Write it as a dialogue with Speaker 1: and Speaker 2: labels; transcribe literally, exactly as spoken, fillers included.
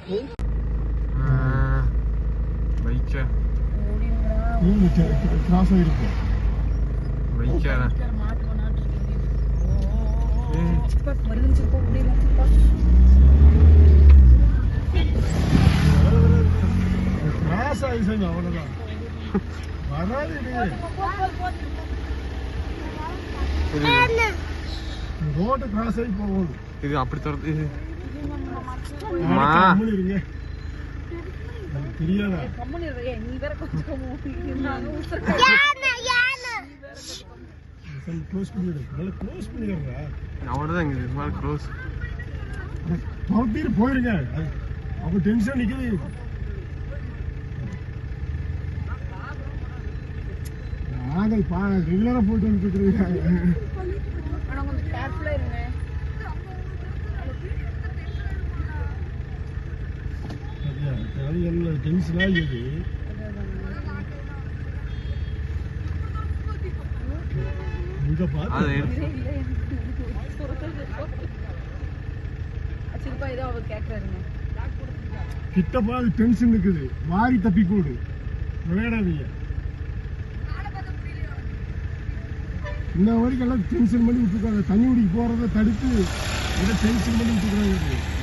Speaker 1: பைக்கா கிராஸ் ஆகிருக்கு பைக்காடா கிராஸ் ஆகிடுச்சு அவ்வளோதான் வராது ரோடு கிராஸ் ஆகி போகுது இது அப்படி தரது இது இருங்க தெரியாதா க்ளோஸ் பண்ணிடு நல்லா க்ளோஸ் பண்ணிடுறா அவ்வளோதான் இங்கே இது க்ளோஸ் துரத்திட்டு போயிருங்க அவங்க டென்ஷன் நிற்குது நாங்கள் பா ரெகுலராக போயிட்டு வந்துட்டு இருக்காங்க டென்ஷன் ஆகிடுது இங்க பார்த்து கிட்ட பாது டென்ஷன் இருக்குது மாறி தப்பி கூடு விளையாடாதீங்க இந்த வரைக்கும் எல்லாம் டென்ஷன் பண்ணி விட்டுருக்காங்க தண்ணி குடிக்க போறதை தடுத்து டென்ஷன் பண்ணி விட்டுருக்காங்க